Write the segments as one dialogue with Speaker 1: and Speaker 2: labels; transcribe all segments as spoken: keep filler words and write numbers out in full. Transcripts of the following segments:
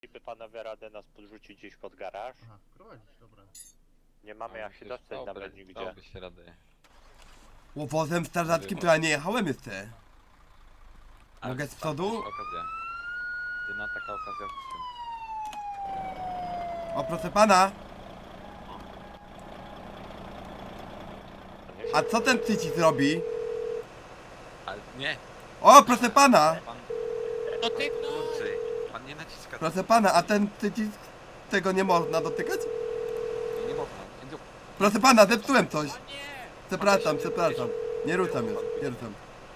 Speaker 1: Gdyby panowie radę nas podrzucić gdzieś pod garaż?
Speaker 2: Aha, prowadzisz, dobra.
Speaker 1: Nie mamy jak się dostać nawet nigdzie.
Speaker 3: Dałoby się radę.
Speaker 4: Łowozem strażackim to ja nie jechałem jeszcze.
Speaker 3: Ale
Speaker 4: Mogę z
Speaker 3: tam
Speaker 4: przodu?
Speaker 3: też Okazja. Jedna taka okazja w życiu.
Speaker 4: O, proszę pana. A co ten przycisk robi?
Speaker 3: Ale nie!
Speaker 4: O, proszę pana.
Speaker 3: Pan...
Speaker 1: No ty
Speaker 3: Kurczę, pan nie naciska.
Speaker 4: Proszę pana, a ten przycisk, tego nie można dotykać?
Speaker 3: Nie, nie można. Nie, nie...
Speaker 4: Proszę pana, zepsułem coś. Przepraszam, przepraszam. Nie ruszam już, nie ruszam.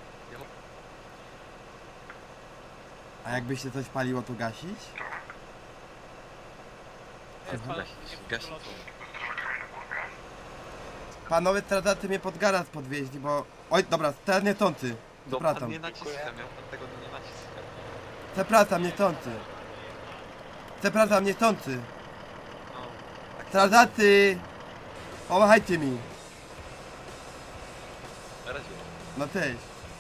Speaker 4: A jakby się coś paliło, to gasić?
Speaker 3: Gasić, gasić.
Speaker 4: Panowie strażacy mnie pod garaż podwieźli, bo... Oj, dobra, teraz niechcący.
Speaker 3: No pan
Speaker 4: Przepraszam.
Speaker 3: nie naciska, ja pan tego nie naciska.
Speaker 4: Przepraszam, niechcący. Przepraszam, niechcący.
Speaker 3: No, tak
Speaker 4: Strażacy! Pomachajcie mi.
Speaker 3: na razie.
Speaker 4: No cześć.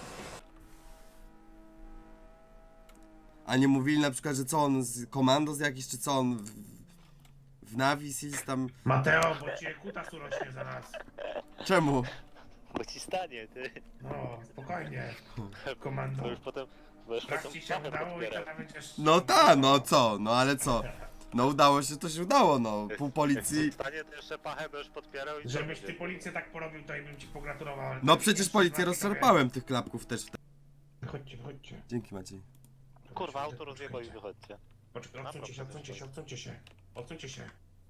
Speaker 4: A nie mówili na przykład, że co on z komandos jakiś, czy co on w, w Navis jest tam...
Speaker 2: Mateo, bo cię kutas urośnie zaraz.
Speaker 4: Czemu?
Speaker 1: Bo ci stanie, ty.
Speaker 2: No, spokojnie.
Speaker 1: To
Speaker 2: Komando.
Speaker 1: już potem... Bo już
Speaker 2: Tak
Speaker 1: potem
Speaker 2: ci się
Speaker 1: pachę
Speaker 2: udało i
Speaker 1: podbiera.
Speaker 2: to będziesz...
Speaker 4: No tak, no co? No ale co? No udało się, to się udało, no. Pół policji...
Speaker 1: Jak stanie, to jeszcze pachę będziesz podpierał i...
Speaker 2: Żebyś
Speaker 1: co
Speaker 2: ty
Speaker 1: będzie?
Speaker 2: policję tak porobił, to i bym ci pogratulował. ale
Speaker 4: No
Speaker 2: to
Speaker 4: przecież
Speaker 2: jeszcze
Speaker 4: policję
Speaker 2: dwa
Speaker 4: rozszarpałem tych klapków też.
Speaker 2: widzowie. Chodźcie, chodźcie.
Speaker 4: Dzięki Maciej.
Speaker 1: Kurwa, auto rozjebał i wychodźcie.
Speaker 2: Poczekaj, odsuńcie się, odsuńcie się, odsuńcie się. Odsuńcie się.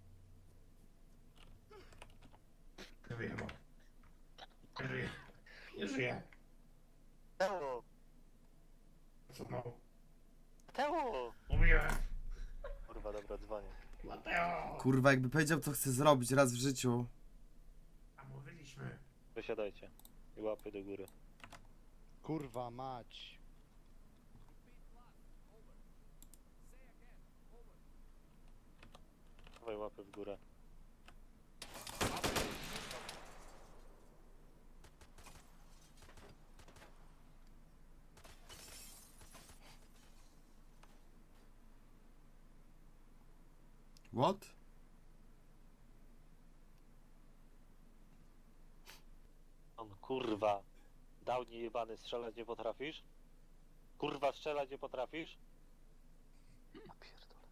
Speaker 2: Nie żyje, bo. Nie żyje. Nie żyje.
Speaker 1: Teo!
Speaker 2: Co no?
Speaker 1: Teo!
Speaker 2: Mówiłem.
Speaker 1: Kurwa, dobra, dzwonię.
Speaker 2: Mateo!
Speaker 4: Kurwa, jakby powiedział, co chce zrobić raz w życiu.
Speaker 2: A mówiliśmy.
Speaker 1: Wysiadajcie. I łapy do góry.
Speaker 5: Kurwa mać.
Speaker 1: Dawaj łapy w górę.
Speaker 4: What?
Speaker 1: On kurwa. Downie jebany, strzelać nie potrafisz? Kurwa, strzelać nie potrafisz? Ja pierdolę.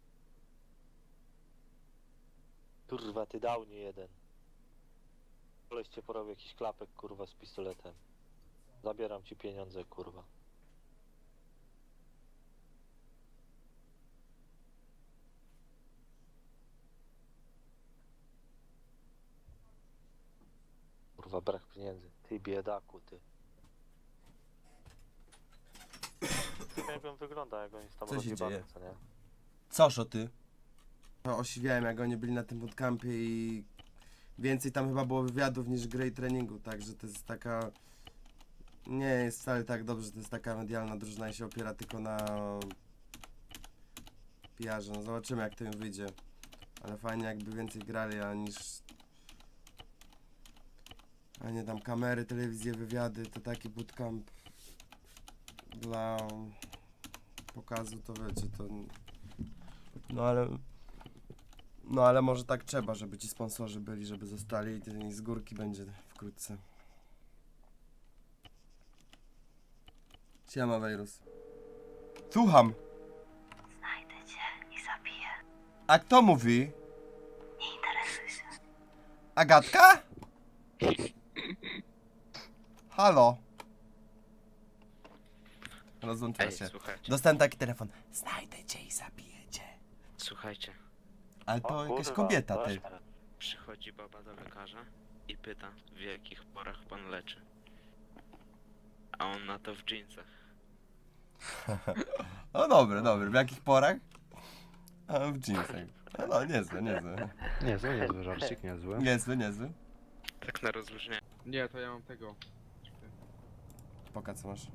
Speaker 1: Kurwa, ty Downie jeden. Koleś cię porobił jakiś klapek, kurwa, z pistoletem. Zabieram ci pieniądze, kurwa. Kurwa, brak pieniędzy. Ty biedaku, ty. Jak on wygląda, jak on jest tam
Speaker 4: Co się
Speaker 1: rozjebany,
Speaker 4: dzieje?
Speaker 1: co nie?
Speaker 4: Coż o ty? No, osiwiałem, jak oni byli na tym bootcampie i więcej tam chyba było wywiadów niż gry i treningu, także to jest taka... Nie jest wcale tak dobrze, to jest taka medialna drużyna i się opiera tylko na P R ze. No zobaczymy, jak to im wyjdzie. Ale fajnie, jakby więcej grali, a niż... A nie tam kamery, telewizje, wywiady, to taki bootcamp dla pokazu, to wiecie, to... No ale... No ale może tak trzeba, żeby ci sponsorzy byli, żeby zostali i z górki będzie wkrótce. Siema, Wejrus. Słucham.
Speaker 6: Znajdę cię i zabiję.
Speaker 4: A kto mówi?
Speaker 6: Nie interesuj się.
Speaker 4: Agatka? Halo. Rozłączyła
Speaker 7: Ej,
Speaker 4: się.
Speaker 7: słuchajcie,
Speaker 4: Dostałem taki telefon. Znajdę cię i zabiję cię.
Speaker 7: słuchajcie,
Speaker 4: Ale to
Speaker 1: O,
Speaker 4: jakaś
Speaker 1: kurwa,
Speaker 4: kobieta, ty.
Speaker 1: proszę.
Speaker 7: przychodzi baba do lekarza i pyta, w jakich porach pan leczy. A on na to w dżinsach.
Speaker 4: No dobry, dobry. W jakich porach? A w jeansach. No, no niezły, niezły.
Speaker 5: Niezły, niezły żarcik, niezły.
Speaker 4: Niezły, niezły.
Speaker 7: Tak na rozluźnienie.
Speaker 8: Nie, to ja mam tego.
Speaker 4: Poka, co masz?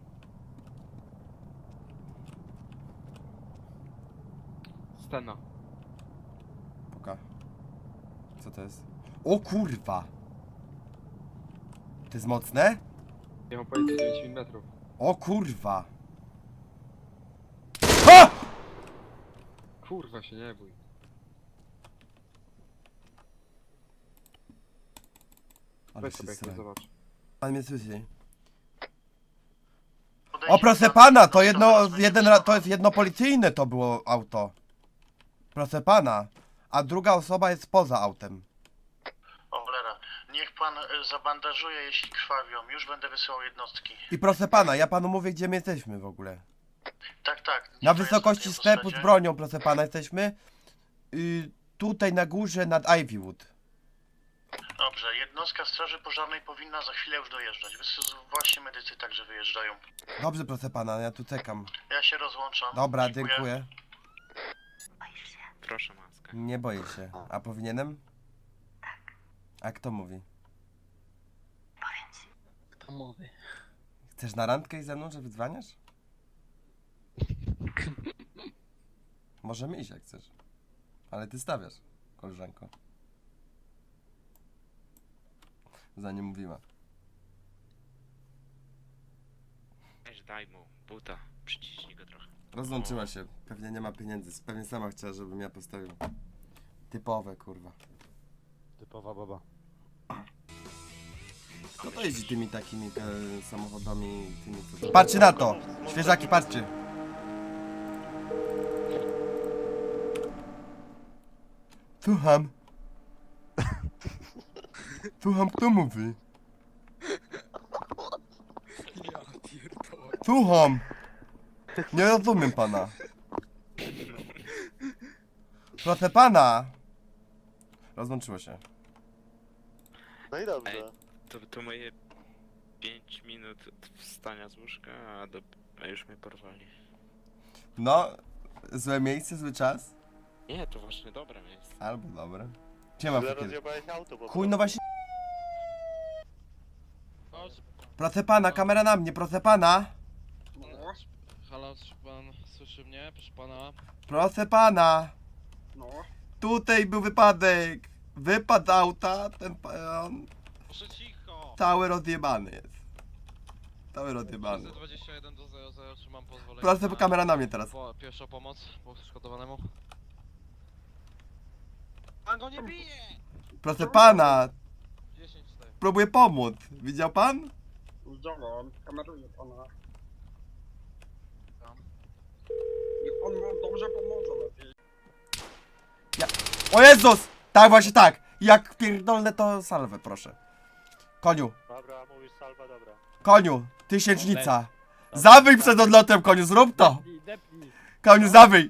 Speaker 8: Stena.
Speaker 4: Poka. Co to jest? O kurwa! To jest mocne?
Speaker 8: Ja mam powiedzieć dziewięć milimetrów.
Speaker 4: O kurwa! Ha!
Speaker 8: Kurwa się nie bój.
Speaker 4: Ale
Speaker 8: Weź
Speaker 4: się
Speaker 8: sobie jak
Speaker 4: sra.
Speaker 8: zobacz.
Speaker 4: Pan mnie słyszy. O proszę pana, to jedno, jeden, ra- to jest jedno policyjne to było auto. Proszę pana. A druga osoba jest poza autem.
Speaker 9: O cholera, niech pan y, zabandażuje, jeśli krwawią. Już będę wysyłał jednostki.
Speaker 4: I proszę pana, ja panu mówię, gdzie my jesteśmy w ogóle.
Speaker 9: Tak, tak. niech
Speaker 4: Na
Speaker 9: to jest
Speaker 4: wysokości
Speaker 9: tej
Speaker 4: sklepu z
Speaker 9: autostradzie.
Speaker 4: bronią, proszę pana, jesteśmy. Y, tutaj na górze nad Ivywood.
Speaker 9: Dobrze, jednostka straży pożarnej powinna za chwilę już dojeżdżać. Wys- Właśnie medycy także wyjeżdżają.
Speaker 4: Dobrze, proszę pana, ja tu czekam.
Speaker 9: Ja się rozłączam.
Speaker 4: Dobra, dziękuję.
Speaker 6: Boisz się?
Speaker 7: Proszę maskę.
Speaker 4: Nie boję się. A powinienem? A kto mówi?
Speaker 6: Powiem ci.
Speaker 3: Kto mówi?
Speaker 4: Chcesz na randkę i ze mną, że wydzwaniasz? Możemy iść jak chcesz. Ale ty stawiasz, koleżanko. Zanim mówiła.
Speaker 7: Weź daj mu buta, przyciśnij go trochę.
Speaker 4: Rozłączyła się. Pewnie nie ma pieniędzy. Pewnie sama chciała, żebym ja postawił. Typowe, kurwa.
Speaker 5: Typowa baba.
Speaker 4: Kto to jeździ tymi takimi e, samochodami, tymi co... Patrzcie na to! Świeżaki, patrzcie! Słucham. Słucham, kto mówi? Słucham! Nie rozumiem pana. Proszę pana! Rozłączyło się.
Speaker 1: No i dobrze.
Speaker 7: Ej. To, to moje pięć minut wstania z łóżka, a, do, a już mnie porwali.
Speaker 4: No, złe miejsce, zły czas?
Speaker 7: Nie, to właśnie dobre miejsce.
Speaker 4: Albo dobre. Gdzie mam
Speaker 1: Źle
Speaker 4: fakir?
Speaker 1: rozjebałeś auto, bo...
Speaker 4: Chuj, no właśnie. Proszę pana, kamera na mnie, proszę pana.
Speaker 10: Halo, czy pan słyszy mnie? Proszę pana.
Speaker 4: Proszę pana.
Speaker 9: No.
Speaker 4: Tutaj był wypadek. Wypadł z auta, ten pan
Speaker 10: Proszę cicho!
Speaker 4: cały rozjebany jest. Cały rozjebany.
Speaker 10: dwadzieścia jeden do zero zero, czy mam pozwolenie?
Speaker 4: Proszę,
Speaker 10: na
Speaker 4: kamera na mnie teraz.
Speaker 10: Po, pierwsza pomoc poszkodowanemu. Pan go nie bije!
Speaker 4: Proszę pana,
Speaker 10: dziesięć cztery.
Speaker 4: próbuję pomóc. Widział pan?
Speaker 9: Widziałem, kameruję pana.
Speaker 10: Tam.
Speaker 9: Niech pan nam dobrze pomoże lepiej.
Speaker 4: O Jezus! Tak, właśnie tak. Jak pierdolne to salwę, proszę. Koniu,
Speaker 1: Dobra, mówisz salwa, dobra.
Speaker 4: koniu, tysięcznica. Zawyj przed odlotem, koniu, zrób to. Koniu, zawyj.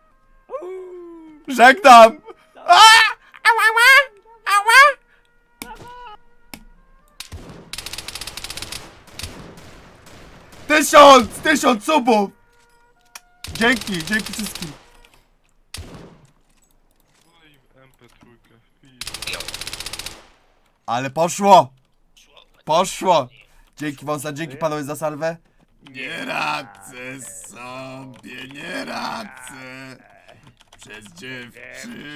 Speaker 4: Żegnam. A! Ała, ała, ała. Tysiąc, tysiąc subów. Dzięki, dzięki wszystkim. Ale poszło! Poszło! Dzięki wam za, dzięki panowie za salwę. Nie radzę sobie, nie radzę. Przez dziewczyny.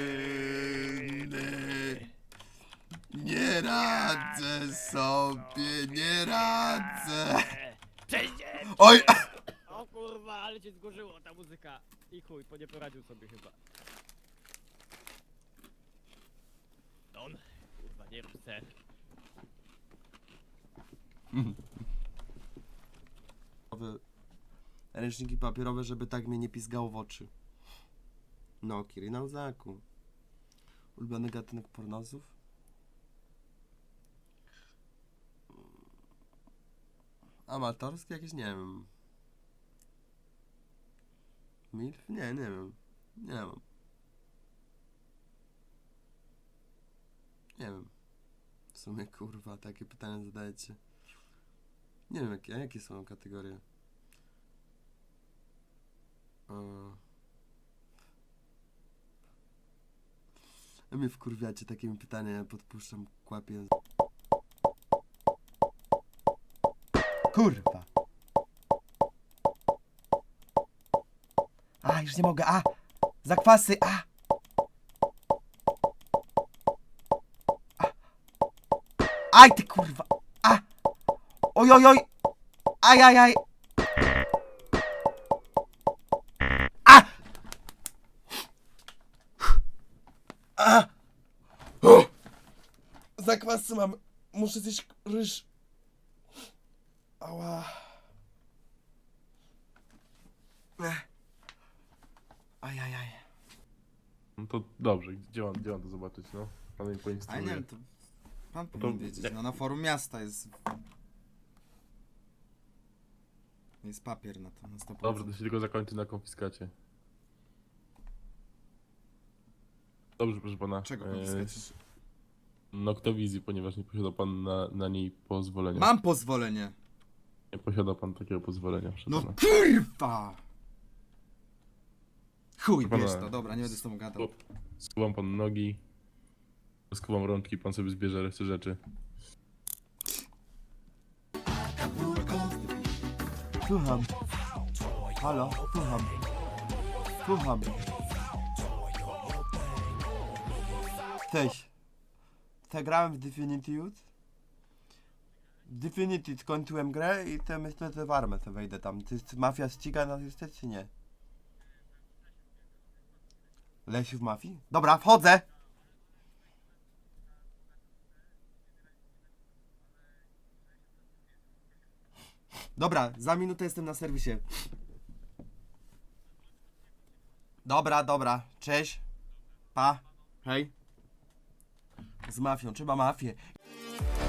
Speaker 4: Nie radzę sobie, nie radzę. Oj!
Speaker 10: O kurwa, ale cię zgorzyło ta muzyka. I chuj, po nie poradził sobie chyba. On, kurwa, nie chcę.
Speaker 4: Ręczniki papierowe, żeby tak mnie nie pizgało w oczy. No, Kiri na łzaku. Ulubiony gatunek pornosów? Amatorskie jakieś? Nie wiem. Milf? Nie, nie wiem. Nie mam. Nie wiem. W sumie, kurwa, takie pytania zadajecie. Nie wiem, jakie, jakie są kategorie. Eee. A mnie wkurwiacie takimi pytaniami, ja podpuszczam, kłapię. Kurwa. A, już nie mogę, a! Zakwasy, a! a. Aj, ty kurwa! A! Oj, oj, oj! Aj, aj, aj! A! A! O! Zakwasy mam. Muszę zjeść ryż. Ała. Ech. Ajajaj.
Speaker 2: No to dobrze, gdzie mam, gdzie mam to zobaczyć, no? Pan mnie
Speaker 4: A nie
Speaker 2: poinstruuje.
Speaker 4: wiem, to pan
Speaker 2: to-
Speaker 4: powinien wiedzieć. No na forum miasta jest... Jest papier na to, na sto procent.
Speaker 2: Dobrze, to się tylko zakończy na konfiskacie. Dobrze, proszę pana.
Speaker 4: Czego
Speaker 2: e,
Speaker 4: konfiskacie?
Speaker 2: Noktowizji, ponieważ nie posiada pan na, na niej pozwolenia.
Speaker 4: Mam pozwolenie!
Speaker 2: Nie posiada pan takiego pozwolenia, proszę
Speaker 4: No
Speaker 2: pana.
Speaker 4: kurwa! Chuj,
Speaker 2: Pana-
Speaker 4: wiesz to, dobra, nie będę z tobą gadał.
Speaker 2: Skuwam pan nogi, skuwam rączki, pan sobie zbierze resztę rzeczy.
Speaker 4: Słucham. Halo, słucham. Słucham. Cześć. Zagrałem w Divinity już. Divinity skończyłem grę i to myślę, że w armę to wejdę tam. Czy mafia ściga nas jeszcze, czy nie? Lesiu w mafii? Dobra, wchodzę! Dobra, za minutę jestem na serwisie. Dobra, dobra, cześć. Pa, hej. Z mafią, trzeba mafię.